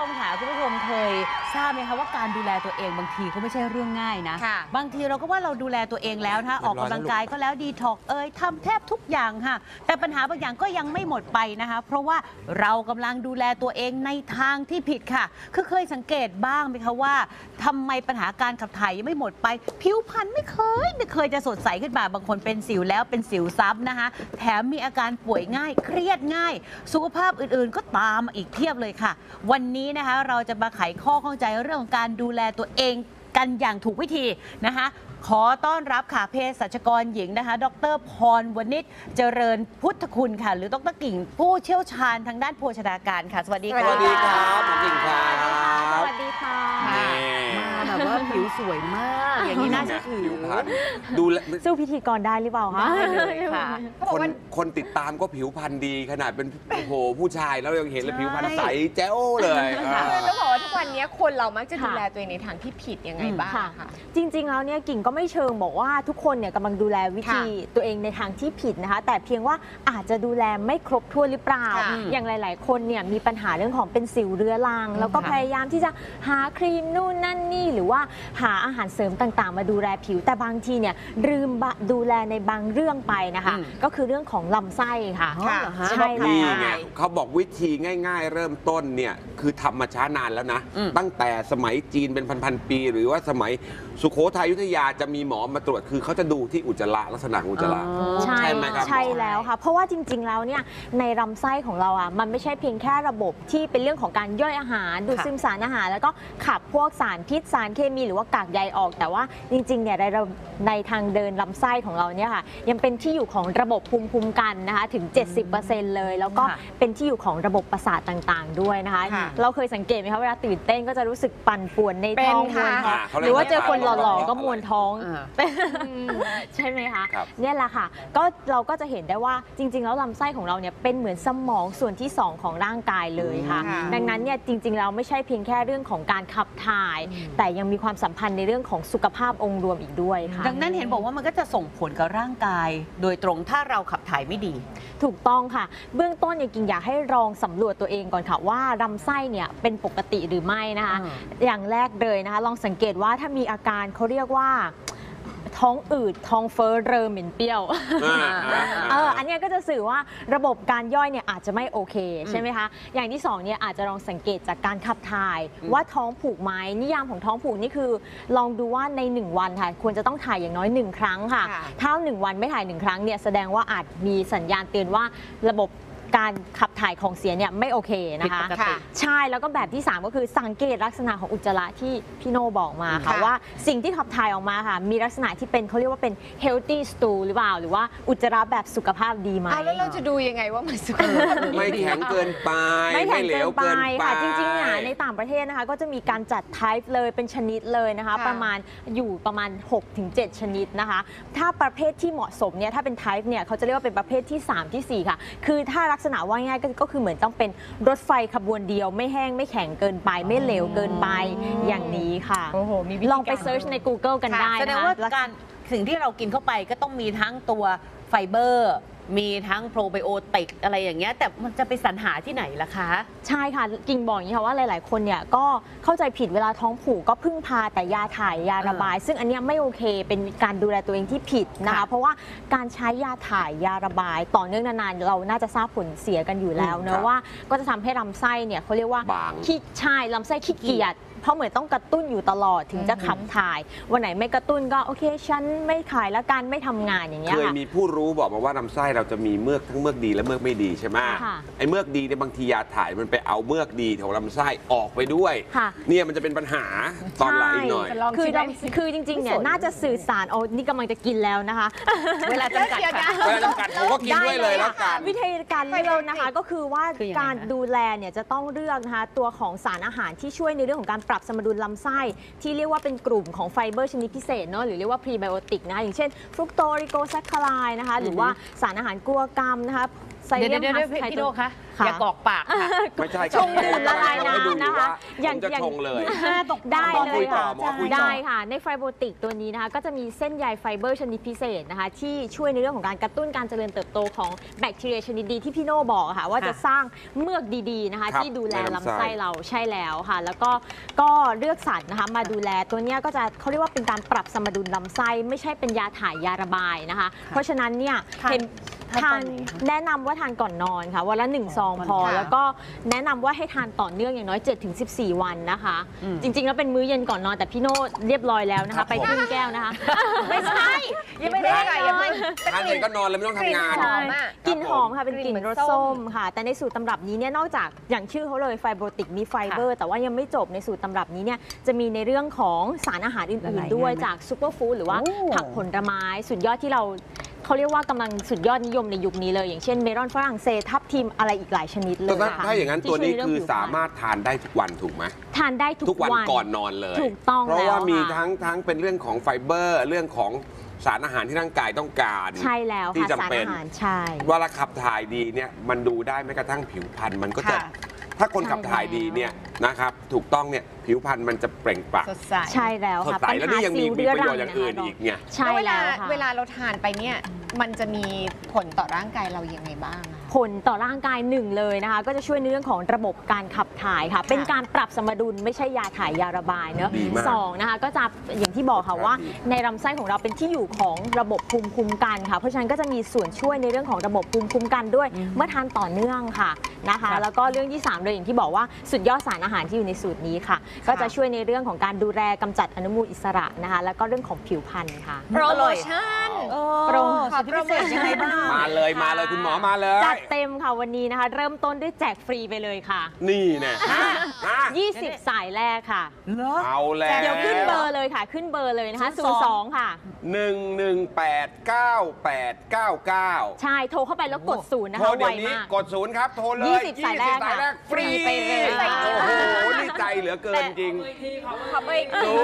มค่ะคุณผู้ชมเคยทราบไหมคะว่าการดูแลตัวเองบางทีก็ไม่ใช่เรื่องง่ายนะบางทีเราก็ว่าเราดูแลตัวเองแล้วนะออกกำลังกายก็แล้วดีท็อกทำแทบทุกอย่างค่ะแต่ปัญหาบางอย่างก็ยังไม่หมดไปนะคะเพราะว่าเรากำลังดูแลตัวเองในทางที่ผิดค่ะคือเคยสังเกตบ้างไหมคะว่าทำไมปัญหาการขับถ่ายยังไม่หมดไปผิวพรรณไม่เคยจะสดใสขึ้นมาบางคนเป็นสิวแล้วเป็นสิวซ้ำนะคะแถมมีอาการป่วยง่ายเครียดง่ายสุขภาพอื่นๆก็ตามมาอีกเพียบเลยค่ะวันนี้นะคะเราจะมาไขข้อข้องใจเรื่องของการดูแลตัวเองกันอย่างถูกวิธีนะคะขอต้อนรับค่ะเภสัชกรหญิงนะคะดร.พรวณิชเจริญพุทธคุณค่ะหรือดร.กิ่งผู้เชี่ยวชาญทางด้านโภชนาการค่ะสวัสดีค่ะสวัสดีครับผมกิ่งครับสวัสดีค่ะมาแบบว่าผิวสวยมากอย่างนี้น่าจะถือดูสู้พิธีกรได้หรือเปล่าคะได้เลยค่ะคนติดตามก็ผิวพรรณดีขนาดเป็นโอ้โหผู้ชายแล้วยังเห็นเลยผิวพรรณใสแจ๋วเลยต้องบอกว่าทุกวันนี้คนเรามักจะดูแลตัวเองในทางที่ผิดยังไงบ้างค่ะจริงๆแล้วเนี่ยกิ่งก็ไม่เชิงบอกว่าทุกคนเนี่ยกำลังดูแลวิธีตัวเองในทางที่ผิดนะคะแต่เพียงว่าอาจจะดูแลไม่ครบถ้วนหรือเปล่าอย่างหลายๆคนเนี่ยมีปัญหาเรื่องของเป็นสิวเรื้อรังแล้วก็พยายามที่จะหาครีมนู่นนั่นนี่หรือว่าหาอาหารเสริมต่างๆมาดูแลผิวแต่บางทีเนี่ยลืมดูแลในบางเรื่องไปนะคะก็คือเรื่องของลำไส้ค่ะใช่แล้วไงเขาบอกวิธีง่ายๆเริ่มต้นเนี่ยคือทำมาช้านานแล้วนะตั้งแต่สมัยจีนเป็นพันๆปีหรือว่าสมัยสุโขทัยอยุธยาจะมีหมอมาตรวจคือเขาจะดูที่อุจจาระลักษณะอุจจาระใช่ไหมครับใช่แล้วค่ะเพราะว่าจริงๆแล้วเนี่ยในลำไส้ของเราอ่ะมันไม่ใช่เพียงแค่ระบบที่เป็นเรื่องของการย่อยอาหารดูดซึมสารอาหารแล้วก็ขับพวกสารพิษสารเคมีหรือว่ากากใยออกแต่ว่าจริงๆเนี่ยในทางเดินลำไส้ของเราเนี่ยค่ะยังเป็นที่อยู่ของระบบภูมิคุ้มกันนะคะถึง 70% เลยแล้วก็เป็นที่อยู่ของระบบประสาทต่างๆด้วยนะคะเราเคยสังเกตไหมคะเวลาตื่นเต้นก็จะรู้สึกปั่นป่วนในท้องหรือว่าเจอคนหล่อๆก็มวนท้องใช่ไหมคะเนี่ยแหละค่ะก็เราก็จะเห็นได้ว่าจริงๆแล้วลำไส้ของเราเนี่ยเป็นเหมือนสมองส่วนที่2ของร่างกายเลยค่ะดังนั้นเนี่ยจริงๆเราไม่ใช่เพียงแค่เรื่องของการขับถ่ายแต่ยังมีความสัมพันธ์ในเรื่องของสุขภาพองค์รวมอีกด้วยค่ะดังนั้นเห็นบอกว่ามันก็จะส่งผลกับร่างกายโดยตรงถ้าเราขับถ่ายไม่ดีถูกต้องค่ะเบื้องต้นเนี่ยกิ่งอยากให้ลองสำรวจตัวเองก่อนค่ะว่าลำไส้เนี่ยเป็นปกติหรือไม่นะคะอย่างแรกเลยนะคะลองสังเกตว่าถ้ามีอาการเขาเรียกว่าท้องอืดท้องเฟ้อเรอเหม็นเปรี้ยวอันนี้ก็จะสื่อว่าระบบการย่อยเนี่ยอาจจะไม่โอเคใช่ไหมคะอย่างที่2เนี่ยอาจจะลองสังเกตจากการขับถ่ายว่าท้องผูกไหมนิยามของท้องผูกนี่คือลองดูว่าใน1วันค่ะควรจะต้องถ่ายอย่างน้อย1ครั้งค่ะถ้า1วันไม่ถ่าย1ครั้งเนี่ยแสดงว่าอาจมีสัญญาณเตือนว่าระบบการขับถ่ายของเสียเนี่ยไม่โอเคนะคะใช่แล้วก็แบบที่3ก็คือสังเกตลักษณะของอุจจาระที่พี่โนบอกมาค่ะว่าสิ่งที่ขับถ่ายออกมาค่ะมีลักษณะที่เป็นเขาเรียกว่าเป็น healthy stool หรือเปล่าหรือว่าอุจจาระแบบสุขภาพดีไหมแล้วเราจะดูยังไงว่ามันสุขภาพดีไม่แข็งเกินไปไม่เหลวเกินไปค่ะจริงๆเนี่ยในต่างประเทศนะคะก็จะมีการจัด type เลยเป็นชนิดเลยนะคะประมาณ 6-7 ชนิดนะคะถ้าประเภทที่เหมาะสมเนี่ยถ้าเป็น type เนี่ยเขาจะเรียกว่าเป็นประเภทที่3ที่4ค่ะคือถ้าลักษณะว่าง่ายก็คือเหมือนต้องเป็นรถไฟขบวนเดียวไม่แห้งไม่แข็งเกินไปไม่เหลวเกินไปอย่างนี้ค่ะลองไปเซิร์ชใน Google กันได้แสดงว่าการสิ่งที่เรากินเข้าไปก็ต้องมีทั้งตัวไฟเบอร์มีทั้งโปรไบโอติกอะไรอย่างเงี้ยแต่มันจะไปสรรหาที่ไหนล่ะคะใช่ค่ะกิ่งบอกอย่างนี้ค่ะว่าหลายๆคนเนี่ยก็เข้าใจผิดเวลาท้องผูกก็พึ่งพาแต่ยาถ่ายยาระบายซึ่งอันนี้ไม่โอเคเป็นการดูแลตัวเองที่ผิดนะคะเพราะว่าการใช้ยาถ่ายยาระบายต่อเนื่องนานๆเราน่าจะทราบผลเสียกันอยู่แล้วนะว่าก็จะทำให้ลำไส้เนี่ยเขาเรียกว่าขี้ใช่ลำไส้ขี้เกียจเพราะเหมือนต้องกระตุ้นอยู่ตลอดถึงจะขับถ่ายวันไหนไม่กระตุ้นก็โอเคฉันไม่ถ่ายแล้วกันไม่ทำงานอย่างเงี้ยเคยมีผู้รู้บอกมาว่าลำไส้เราจะมีเมือกทั้งเมือกดีและเมือกไม่ดีใช่ไหมไอ้เมือกดีเนี่ยบางทียาถ่ายมันไปเอาเมือกดีของลำไส้ออกไปด้วยเนี่ยมันจะเป็นปัญหาตอนหลังอีกหน่อยคือจริงๆเนี่ยน่าจะสื่อสารนี่กำลังจะกินแล้วนะคะเวลาจำกัดผมก็กินด้วยเลยแล้วกันวิธีการเลือกนะคะก็คือว่าการดูแลเนี่ยจะต้องเลือกนะคะตัวของสารอาหารที่ช่วยในเรื่องของการปรับสมดุลลำไส้ที่เรียกว่าเป็นกลุ่มของไฟเบอร์ชนิดพิเศษเนาะหรือเรียกว่าพรีไบโอติกนะคะอย่างเช่นฟรุกโตริโกแซคคาไรด์นะคะหรือว่าสารอาหารกลัวกรรมนะคะไซเลียมฮัสไทพี่โดคะค่ะอย่ากอกปากค่ะไม่ใช่ชงดื่มละลายน้ำนะคะอย่างจะชงเลยได้เลยค่ะหมอคุยต่อได้ค่ะในไฟโบติกตัวนี้นะคะก็จะมีเส้นใยไฟเบอร์ชนิดพิเศษนะคะที่ช่วยในเรื่องของการกระตุ้นการเจริญเติบโตของแบคทีเรียชนิดดีที่พี่โน่บอกอะค่ะว่าจะสร้างเมือกดีๆนะคะครับที่ดูแลในลำไส้ลำไส้เราใช่แล้วค่ะ แล้วก็เลือกสรรนะคะมาดูแลตัวเนี้ยก็จะเขาเรียกว่าเป็นการปรับสมดุลลำไส้ไม่ใช่เป็นยาถ่ายยาระบายนะคะ เพราะฉะนั้นเนี่ยทานเห็นทานตอนทานไหนคะแนะนำว่าทานก่อนนอนค่ะวันละ1 ซองพอค่ะแล้วก็แนะนำว่าให้ทานต่อเนื่องอย่างน้อย 7-14 วันนะคะอืมจริงๆแล้วเป็นมื้อเย็นก่อนนอนแต่พี่โน่เรียบร้อยแล้วนะครัคะบไปผมครึ่งแก้วนะคะไม่ใช่ยังไม่ได้อย่าเพิ่งทานเสร็จก็นอนเลยไม่ต้องทำงานหอมอะกลิ่นหอมค่ะเป็นกลิ่นกลิ่นเหมืรอนสส้ส้มมค่ะ แต่ในสูตรตำรับนี้เนี่ยนอกจากอย่างชื่อเขาเลยไฟโบติกมีไฟเบอร์ แต่ว่ายังไม่จบในสูตรตำรับนี้เนี่ยจะมีในเรื่องของสารอาหารอื่ละนลายๆ ด้วยง่ายไหมจากซูเปอร์ฟู้ดหรือว่าโอ้ผักผลไม้สุดยอดที่เขาเรียกว่ากำลังสุดยอดนิยมในยุคนี้เลย อย่างเช่นเมลอนฝรั่งเศสทับทิมอะไรอีกหลายชนิดเลยแต่ค่ะถ้าอย่างนั้นที่ตัวนี้ช่ยใเรื่งคือผิวพรรณสามารถทานได้ทุกวันถูกไหมทานได้ทุทุกวันก่อนนอนเลยถูกต้องเพราะว่าแล้วมีค่ะทั้งเป็นเรื่องของไฟเบอร์ เรื่องของสารอาหารที่ร่างกายต้องการใช่แล้วที่ค่ะจำสารเป็นอาหารใช่เวลาขับถ่ายดีเนี่ยมันดูได้แม้กระทั่งผิวพรรณมันก็จะค่ะถ้าคนใช่ขับถ่ายดีเนี่ยนะครับถูกต้องเนี่ยผิวพรรณมันจะเปล่งปลั่งสดใสใช่แล้วสดค่ะใสแล้วนี่ยังมีประโยชน์อย่างอื่นอีกไงใช่แล้วเวลาแล้วค่ะเวลาเราทานไปเนี่ยมันจะมีผลต่อร่างกายเรายังไงบ้างอะผลต่อร่างกายหนึ่งเลยนะคะ ก็จะช่วยในเรื่องของระบบการขับถ่ายค่ะ เป็นการปรับสมดุลไม่ใช่ยาถ่ายยาระบายเนอะดีมากสองนะคะก็จะอย่างที่บอกค่ะว่าในลำไส้ของเราเป็นที่อยู่ของระบบภูมิคุ้มกันค่ะ เพราะฉะนั้นก็จะมีส่วนช่วยในเรื่องของระบบภูมิคุ้มกันด้วย เมื่อทานต่อเนื่องค่ะนะคะครับแล้วก็เรื่องที่ 3 เลยอย่างที่บอกว่าสุดยอดสารอาหารที่อยู่ในสูตรนี้ค่ะ ก็จะช่วยในเรื่องของการดูแลกำจัดอนุมูลอิสระนะคะ แล้วก็เรื่องของผิวพรรณค่ะโปรโมชั่นโปรขอพิเศษยังไงบ้างมาเลยคุณหมอมาเลยจัดเต็มค่ะวันนี้นะคะ เริ่มต้นด้วยแจกฟรีไปเลยค่ะนี่แน่ฮะ 20 สายแรกค่ะเหรอเอาแล้วเดี๋ยวขึ้นเบอร์เลยค่ะ ขึ้นเบอร์เลยนะคะ 02 ค่ะ 1189899 ใช่ โทรเข้าไปแล้วกดศูนย์นะโทรคะเดี๋ไวยวนี้มากกดศูนย์ครับ โทรเลย 20 สายแรกค่ะฟรีฟรีไปเลยโอ้โหนี่ใจเหลือเกินจริงขอเบอร์อีกที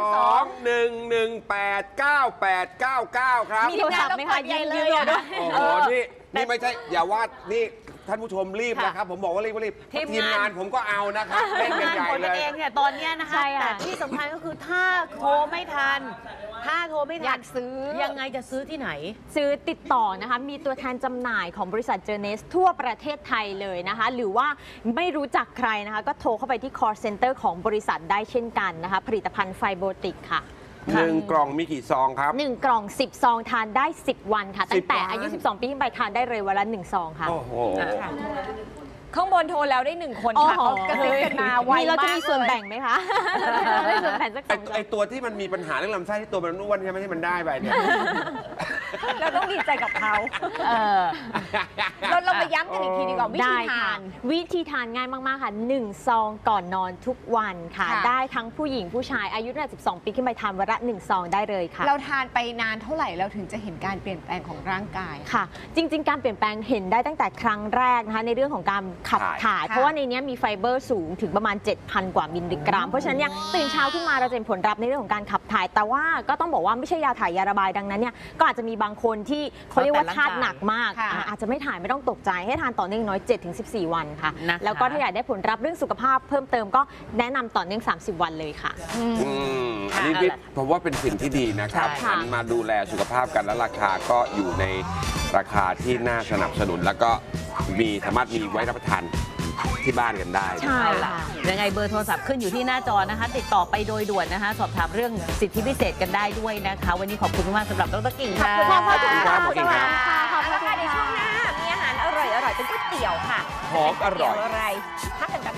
02-1189899 ครับมีโทรศัพท์ไหมคะยืมเลยด้วยโอ้โหนี่ไม่ใช่อย่าว่านี่ท่านผู้ชมรีบนะครับ ผมบอกว่ารีบทีมงานทีมงานผมก็เอานะครับเล่นกันใหญ่คนเลกันยเองเนี่ยตอนเนี้ยนะคะใช่ค่ะแต่ที่สำคัญก็คือถ้าโทรไม่ทันอานอยาก กซื้อยังไงจะซื้อที่ไหนซื้อติดต่อนะคะ มีตัวแทนจำหน่ายของบริษัทเจเนสทั่วประเทศไทยเลยนะคะ หรือว่าไม่รู้จักใครนะคะ ก็โทรเข้าไปที่ call center ของบริษัทได้เช่นกันนะคะ ผลิตภัณฑ์ไฟโบติกค่ะ 1 กล่องมีกี่ซองครับ 1 กล่อง 10 ซองทานได้ 10 วันค่ะ ตั้งแต่ 10 วันอายุ 12 ปีขึ้นไปทานได้เลยวันละ 1 ซองค่ะโอ้โหข้างบนโทรแล้วได้1 คนค่ะโอ้เขาโหกระซิบกันมาไวมีเรามาจะกมีส่วนเลยแบ่งไหมคะได้ส่วนแบ่งสักไอ 2 ตัวที่มันมีปัญหาเรื่องลำไส้ที่ตัวมันอ้วนใช่ไหมที่มันได้ไปเนี่ยเราต้องดีใจกับเขาเออเรามาย้ำกันอีกทีดีกว่าวิธีได้ทาค่ะนวิธีทานง่ายมาก ๆ ค่ะ 1 ซองก่อนนอนทุกวันค่ะค่ะได้ทั้งผู้หญิงผู้ชายอายุตั้งแต่12 ปีขึ้นไปทานวันละ1 ซองได้เลยค่ะเราทานไปนานเท่าไหร่เราถึงจะเห็นการเปลี่ยนแปลงของร่างกายค่ะ จริง ๆ การเปลี่ยนแปลงเห็นได้ตั้งแต่ครั้งแรกนะคะในเรื่องของการขับถ่ายค่ะเพราะว่าในนี้มีไฟเบอร์สูงถึงประมาณ 7,000 กว่ามิลลิกรัม เพราะฉะนั้นเนี่ยตื่นเช้าขึ้นมาเราจะเห็นผลลัพธ์ในเรื่องของการขับถ่าย แต่ว่าก็ต้องบอกว่าไม่ใช่ยาถ่ายยาระบายดังนั้นเนี่ยก็อาจจะมีบางคนที่เขาเรียกว่าธาตุหนักมากค่ะอาจจะไม่ถ่ายไม่ต้องตกใจให้ทานต่อเนื่องน้อย 7-14 วันค่ะนะคะแล้วก็ถ้าอยากได้ผลลัพธ์เรื่องสุขภาพเพิ่มเติมก็แนะนำต่อเนื่อง 30 วันเลยค่ะอันนี้พี่ผมว่าเป็นสิ่งที่ดีนะครับใช่หันมาดูแลสุขภาพกันและราคาก็อยู่ในราคาที่น่าสนับสนุน แล้วก็สามารถมีไว้รับประทานที่บ้านกันได้ใช่เอาล่ะยังไงเบอร์โทรศัพท์ขึ้นอยู่ที่หน้าจอนะคะ ติดต่อไปโดยด่วนนะคะ สอบถามเรื่องสิทธิพิเศษกันได้ด้วยนะคะ วันนี้ขอบคุณมากสำหรับดรกิ่งค่ะขอบคุณค่ะขอบคุณครับขอบคุณเอาละค่ะในช่วงหน้ามีอาหารอร่อยๆเป็นก๋วยเตี๋ยวค่ะหอมอร่อยก๋วเตี๋วอะไรพักกันแป๊บ